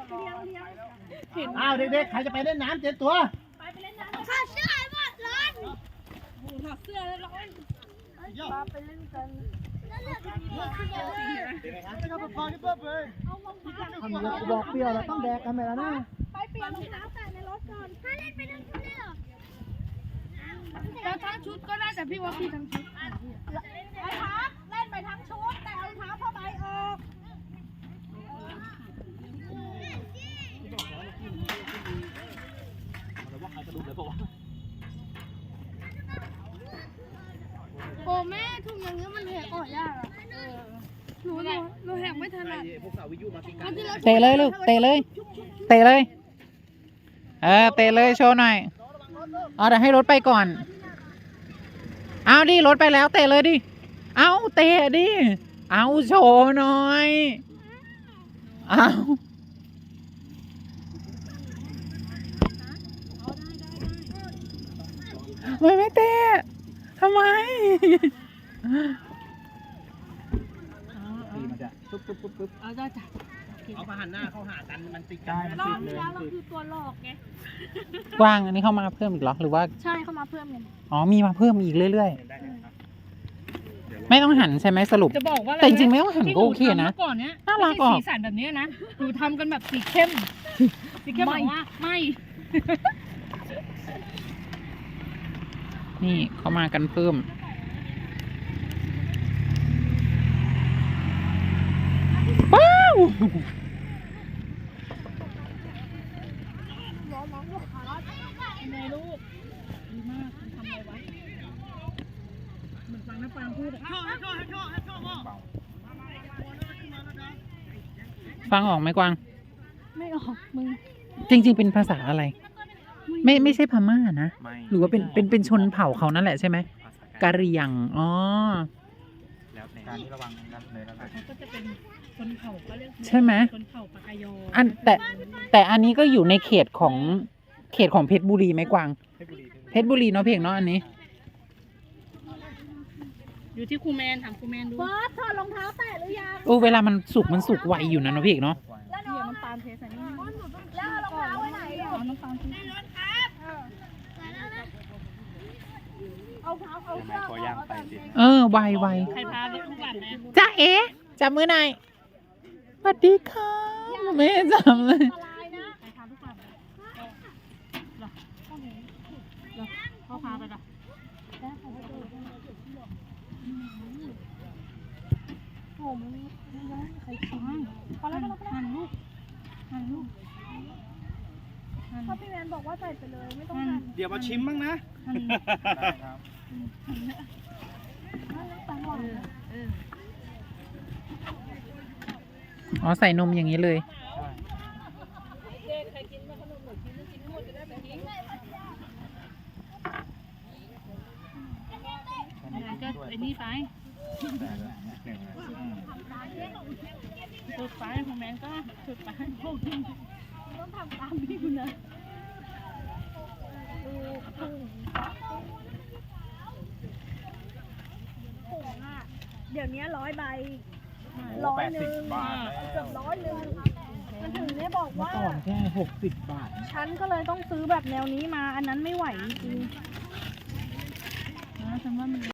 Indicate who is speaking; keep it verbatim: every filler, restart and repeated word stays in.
Speaker 1: อ้าวเด็กๆใครจะไปเล่นน้ำเจ็ดตัว
Speaker 2: ไปไปเล่นน้ำข้าเสื้อหมดร้อนถอดเสื้อแล้วร้อนมาไปเล่นกัน
Speaker 1: บอกเปรี้ยวเราต้องแดกกันไปแล้วนะ
Speaker 2: ไปเปลี่ยนรองเท้าแต่ในรถก่อนถ้าเล่นไปทั้งชุดเลยเหรอแต่ทั้งชุดก็ได้แต่พี่ว่าพี่ทั้งชุดไอ้พักเล่นไปทั้งชุดแต่เอาเท้าผ้าใบออกโอ้แม่ทุ่งอย่างเงี้ยมันแหกออกยากอ่ะหนูหนูหนูแหกไม่ถนัด
Speaker 3: เตะเลยลูกเตะเลยเตะเลยเออเตะเลยโชว์หน่อยเอาเดี๋ยวให้รถไปก่อนเอาดิรถไปแล้วเตะเลยดิเอาเตะดิเอาโชว์หน่อยเอาไม่ไม่เตะทำไม
Speaker 1: ปุ๊บปุ๊บปุ๊บปุ๊บเอาได้จ้ะเอามาหันหน้าเข้าหากันมันติดกันมันติดเลยเราคือตัวหลอกไง
Speaker 3: กว้างอันนี้เข้ามาเพิ่มอีกเหรอหรือว่า
Speaker 2: ใช่เข้ามาเพิ่มกัน
Speaker 3: อ๋อมีมาเพิ่มอีกเรื่อยๆไม่ต้องหันใช่ไหมสรุป
Speaker 4: จะบอกว่า
Speaker 3: แต่จริงๆไม่ต้องหันก็โอเคนะ
Speaker 4: ก่อนเนี้ย
Speaker 3: น่ารักออก
Speaker 4: สีสันแบบนี้นะดูทำกันแบบสีเข้มสีเข้มบอกว่าไม่
Speaker 3: นี่เข้ามากันเพิ่มว้าว
Speaker 4: ในลูกดีมากทำอะไรวะเหมือนฟังน้าฟังพูดอะ
Speaker 3: ฟังออกไหมกวาง
Speaker 2: ไม่ออกมึง
Speaker 3: จริงๆเป็นภาษาอะไรไม่ไม่ใช่พม่านะหรือว่าเป็นเป็นเป็นชนเผ่าเขานั่นแหละใช่ไหมกะเหรี่ยงอ๋อ
Speaker 1: แล้วในการที่ระวังนั่นเลยแล้ว
Speaker 4: เขาก็จะเป็นชนเผ่าก็เรียก
Speaker 3: ใช่ไหม
Speaker 4: ชนเผ่าปากกายอ
Speaker 3: อันแต่แต่อันนี้ก็อยู่ในเขตของเขตของเพชรบุรีไหมกวางเพชรบุรีเนาะเพียงเนาะอันนี้
Speaker 4: อยู่ที่ครูแมนถามครูแมนดู
Speaker 2: บอสถอดรองเท้าแตะหรือยัง
Speaker 3: โอ้เวลามันสุกมันสุกไวอยู่นะเนาะเพียงเนาะ
Speaker 2: แล้วน้องน้ำตาลเทใส่นี่แล้วรองเท้าไว้ไหนอ่ะน้ำตาลในรถครับเอาเท้าเอาเสื้อ
Speaker 3: เออไวไว
Speaker 4: ใครพาลูกหลานนะ
Speaker 3: จ้าเอ๋จับมือหน่อยสวัสดีค่ะไม่จับเลย
Speaker 4: เขาพาไปหรอ
Speaker 2: โอ้มันไม่ได้ใครชิมพอแล้วพอแล้ว
Speaker 4: หันลูกหันลูก
Speaker 2: เพราะพี่แมนบอกว่าใส่ไปเลยไม่ต้องหั่น
Speaker 1: เดี๋ยวมาชิมบ้างนะ
Speaker 3: อ๋อใส่นมอย่างนี้เลย
Speaker 4: ก็ไอ้นี่ไปสุดไปคอมเมนต์ก็สุดไปพวกนี้
Speaker 2: ต้องทำตามพี่คุณนะผงอ่ะเดี๋ยวนี้ร้อยใบร้อยหนึ่งเกือบร้อยหนึ่งมันถึงได้บอกว่า
Speaker 1: ก่อนแค่หกสิบบาท
Speaker 2: ฉันก็เลยต้องซื้อแบบแนวนี้มาอันนั้นไม่ไหวจริง
Speaker 4: นะฉันว่ามัน